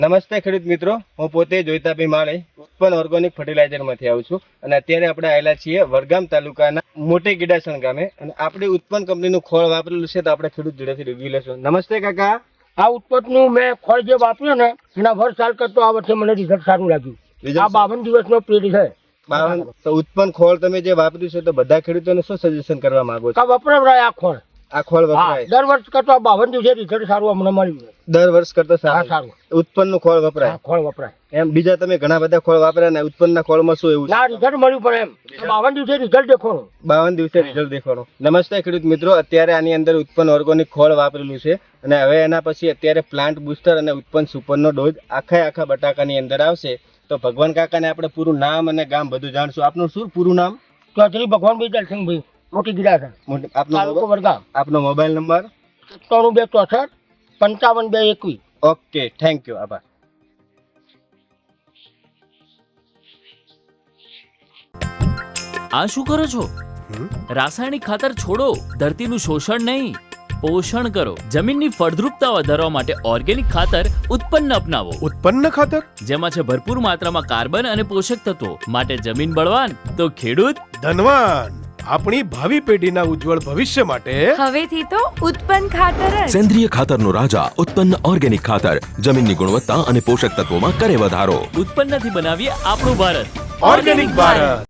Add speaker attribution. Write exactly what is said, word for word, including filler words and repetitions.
Speaker 1: નમસ્તે ખેડૂત મિત્રો, હું પોતે જોઈતાભાઈ માળે ઉત્પન્ન ઓર્ગેનિક ફર્ટિલાઇઝરમાંથી આવું છું અને અત્યારે આપણે આવેલા છીએ વડગામ તાલુકાના મોટી ગીડાસણ ગામે અને આપણે ઉત્પન્ન કંપનીનું ખોળ વાપરેલું છે તો આપણે ખેડૂત જોડેથી રિવ્યુ લેશું. નમસ્તે કાકા.
Speaker 2: આ ઉત્પન્નનું મેં ખોળ જે વાપર્યું ને એના વર્ષ સાલ કરતો આ વર્ષે મને રિઝલ્ટ સારું લાગ્યું. આ બાવન દિવસનો પીરિયડ છે.
Speaker 1: બાવન તો ઉત્પન્ન ખોળ તમે જે વાપર્યું છે તો બધા ખેડૂતોને શું સજેશન કરવા માંગો છો?
Speaker 2: વપરાય આ ખોળ
Speaker 1: આ ખોળ વપરાય
Speaker 2: દર વર્ષ કરતો બાવન દિવસે રિઝલ્ટ સારું અમને મળ્યું.
Speaker 1: દર વર્ષ કરતા
Speaker 2: સારું
Speaker 1: સારું ઉત્પન્નનું ખોળ વપરાય.
Speaker 2: ખોળ વપરાય
Speaker 1: એમ બીજા તમે ઘણા બધા ખોળ વાપર્યા ને ઉત્પન્નના ખોળમાં શું એવું
Speaker 2: ના રિઝલ્ટ મળ્યું પણ એમ બાવન દિવસે રિઝલ્ટ દેખવાનું.
Speaker 1: બાવન દિવસે રિઝલ્ટ દેખવાનું. નમસ્તે ખેડૂત મિત્રો, અત્યારે આની અંદર ઉત્પન્ન ઓર્ગેનિક ખોળ વાપરેલું છે અને હવે એના પછી અત્યારે પ્લાન્ટ બુસ્ટર અને ઉત્પન્ન સુપરનો ડોઝ આખા આખા બટાકાની અંદર આવશે. તો ભગવાન કાકાને આપણે પૂરું નામ અને ગામ બધું જાણશું. આપનું શું પૂરું નામ?
Speaker 2: ચૌધરી ભગવાનભાઈ દલસિંહભાઈ, મોટી ગીડાસણ,
Speaker 1: આપનો
Speaker 2: વડગામ.
Speaker 1: આપનો મોબાઈલ નંબર?
Speaker 2: ત્રણ બે ચોસઠ પંચાવન બે એકવીસ.
Speaker 1: ઓકે, થેન્ક યુ, આભાર.
Speaker 3: આ શું કરો છો? રાસાયણિક ખાતર છોડો, ધરતીનું શોષણ નહીં, પોષણ કરો. જમીનની ફળદ્રુપતા વધારવા માટે ઓર્ગેનિક ખાતર ઉત્પન્ન અપનાવો.
Speaker 4: ઉત્પન્ન ખાતર
Speaker 3: જેમાં છે ભરપૂર માત્રામાં કાર્બન અને પોષક તત્વો, માટે જમીન બળવાન તો ખેડૂત
Speaker 4: ધનવાન. આપણી ભાવિ પેઢીના ઉજ્જવળ ભવિષ્ય માટે
Speaker 5: હવેથી તો ઉત્પન્ન ખાતર જ.
Speaker 6: સેન્દ્રિય ખાતરનો રાજા ઉત્પન્ન ઓર્ગેનિક ખાતર જમીનની ગુણવત્તા અને પોષક તત્વોમાં કરે વધારો.
Speaker 3: ઉત્પન્નથી બનાવીએ આપણું ભારત.
Speaker 4: ઓર્ગેનિક ભારત.